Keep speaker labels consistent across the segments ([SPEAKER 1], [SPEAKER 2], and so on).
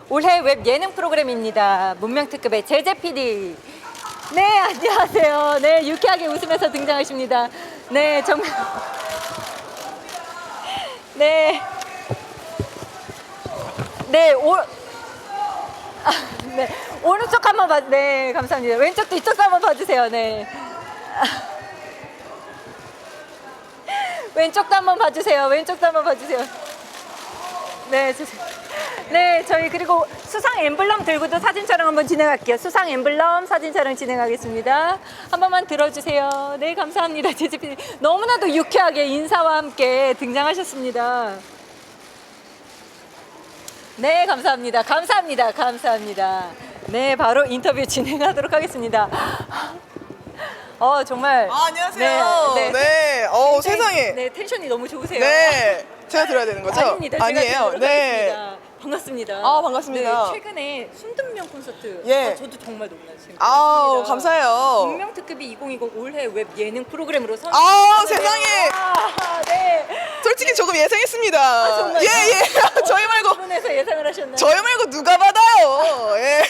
[SPEAKER 1] 올해 웹 예능 프로그램입니다. 문명특급의 제재 PD. 네, 안녕하세요. 네, 유쾌하게 웃으면서 등장하십니다. 네, 정말. 네. 네, 네, 오른쪽 한번 봐. 네, 감사합니다. 왼쪽도 이쪽도 한번 봐주세요. 네. 왼쪽도 한번 봐주세요. 왼쪽도 한번 봐주세요. 네, 네, 저희 그리고 수상 엠블럼 들고도 사진 촬영 한번 진행할게요. 수상 엠블럼 사진 촬영 진행하겠습니다. 한 번만 들어주세요. 네, 감사합니다. 제재PD 너무나도 유쾌하게 인사와 함께 등장하셨습니다. 네, 감사합니다. 감사합니다. 감사합니다. 네, 바로 인터뷰 진행하도록 하겠습니다. 정말.
[SPEAKER 2] 안녕하세요.
[SPEAKER 1] 네, 네.
[SPEAKER 2] 네. 세상에.
[SPEAKER 1] 네, 텐션이 너무 좋으세요.
[SPEAKER 2] 네. 제가 들어야 되는 거죠?
[SPEAKER 1] 아닙니다. 제가
[SPEAKER 2] 아니에요.
[SPEAKER 1] 드리도록
[SPEAKER 2] 네.
[SPEAKER 1] 하겠습니다. 반갑습니다.
[SPEAKER 2] 반갑습니다.
[SPEAKER 1] 네, 최근에 순든명 콘서트.
[SPEAKER 2] 예.
[SPEAKER 1] 저도 정말 놀랐어요.
[SPEAKER 2] 감사해요.
[SPEAKER 1] 문명특급이 2020 올해 웹 예능 프로그램으로
[SPEAKER 2] 세상에.
[SPEAKER 1] 네.
[SPEAKER 2] 솔직히 조금 예상했습니다.
[SPEAKER 1] 정말요?
[SPEAKER 2] 예. 저희 말고.
[SPEAKER 1] 분에서 예상을 하셨나요?
[SPEAKER 2] 저희 말고 누가 받아요? 예.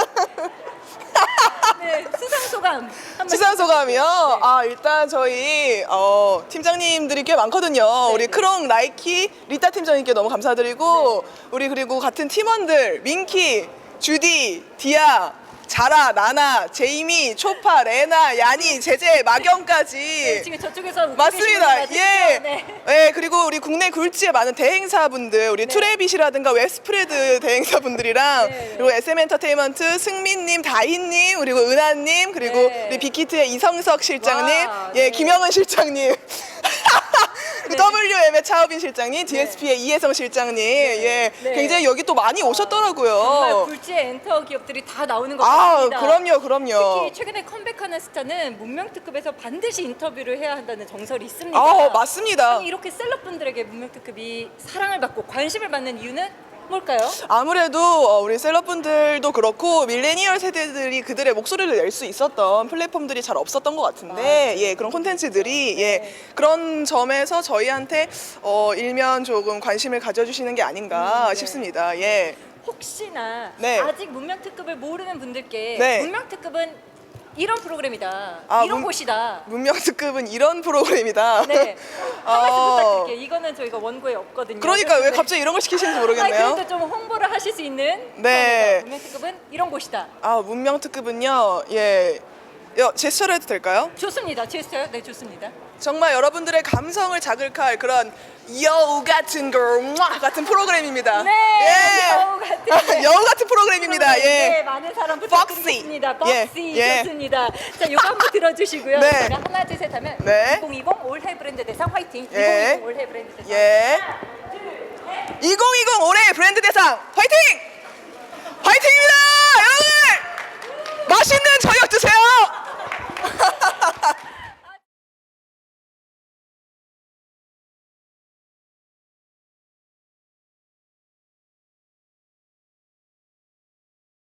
[SPEAKER 1] 네, 수상 소감.
[SPEAKER 2] 수상 소감이요? 일단 저희 팀장님들이 꽤 많거든요. 우리 크롱, 라이키, 리타 팀장님께 너무 감사드리고 우리 그리고 같은 팀원들 민키, 주디, 디아, 자라, 나나, 제이미, 초파, 레나, 야니, 제제, 마경까지.
[SPEAKER 1] 네, 지금 저쪽에서 웃고
[SPEAKER 2] 맞습니다.
[SPEAKER 1] 계신 분들
[SPEAKER 2] 예.
[SPEAKER 1] 맞으시죠? 네.
[SPEAKER 2] 예, 그리고 우리 국내 굴지의 많은 대행사분들, 우리 트래빗이라든가 웹스프레드 대행사분들이랑
[SPEAKER 1] 네.
[SPEAKER 2] 그리고 SM 엔터테인먼트 승민님, 다희님, 그리고 은하님, 그리고
[SPEAKER 1] 네.
[SPEAKER 2] 우리 빅히트의 이성석 실장님,
[SPEAKER 1] 와,
[SPEAKER 2] 예,
[SPEAKER 1] 네.
[SPEAKER 2] 김영은 실장님.
[SPEAKER 1] 네.
[SPEAKER 2] WM의 차우빈 실장님, DSP의 이혜성 실장님, 예,
[SPEAKER 1] 네.
[SPEAKER 2] 굉장히 여기 또 많이 오셨더라고요.
[SPEAKER 1] 정말 굴지의 엔터 기업들이 다 나오는 것 같습니다.
[SPEAKER 2] 그럼요.
[SPEAKER 1] 특히 최근에 컴백하는 스타는 문명특급에서 반드시 인터뷰를 해야 한다는 정설이 있습니다.
[SPEAKER 2] 맞습니다.
[SPEAKER 1] 아니, 이렇게 셀럽분들에게 문명특급이 사랑을 받고 관심을 받는 이유는 뭘까요?
[SPEAKER 2] 아무래도 우리 셀럽분들도 그렇고 밀레니얼 세대들이 그들의 목소리를 낼 수 있었던 플랫폼들이 잘 없었던 것 같은데 예, 그런 콘텐츠들이 예, 그런 점에서 저희한테 일면 조금 관심을 가져주시는 게 아닌가
[SPEAKER 1] 네.
[SPEAKER 2] 싶습니다. 예.
[SPEAKER 1] 혹시나
[SPEAKER 2] 네.
[SPEAKER 1] 아직 문명특급을 모르는 분들께
[SPEAKER 2] 네.
[SPEAKER 1] 문명특급은 이런 프로그램이다. 이런 곳이다.
[SPEAKER 2] 문명특급은 이런 프로그램이다.
[SPEAKER 1] 네. 한 말씀 부탁드릴게요. 이거는 저희가 원고에 없거든요.
[SPEAKER 2] 그러니까 왜
[SPEAKER 1] 그래서
[SPEAKER 2] 갑자기 이런 걸 시키시는지 모르겠네요.
[SPEAKER 1] 그래도 좀 홍보를 하실 수 있는
[SPEAKER 2] 네.
[SPEAKER 1] 겁니다. 문명특급은 이런 곳이다.
[SPEAKER 2] 문명특급은요. 예. 제스처를 해도 될까요?
[SPEAKER 1] 좋습니다. 제스처요? 네, 좋습니다.
[SPEAKER 2] 정말 여러분들의 감성을 자극할 그런 여우 같은 걸 같은 프로그램입니다.
[SPEAKER 1] 네,
[SPEAKER 2] 예.
[SPEAKER 1] 여우 같은
[SPEAKER 2] 여우 같은 프로그램입니다. 예.
[SPEAKER 1] 네, 많은 사랑 부탁드리겠습니다.
[SPEAKER 2] Foxy.
[SPEAKER 1] 벅시
[SPEAKER 2] 예.
[SPEAKER 1] 좋습니다. 자, 이거 한번 들어주시고요.
[SPEAKER 2] 네.
[SPEAKER 1] 제가 하나, 둘, 셋 하면
[SPEAKER 2] 네.
[SPEAKER 1] 2020 올해 브랜드 대상 화이팅.
[SPEAKER 2] 예.
[SPEAKER 1] 2020 올해 브랜드 대상.
[SPEAKER 2] 예.
[SPEAKER 1] 하나, 둘, 셋.
[SPEAKER 2] 2020 올해 브랜드 대상 화이팅!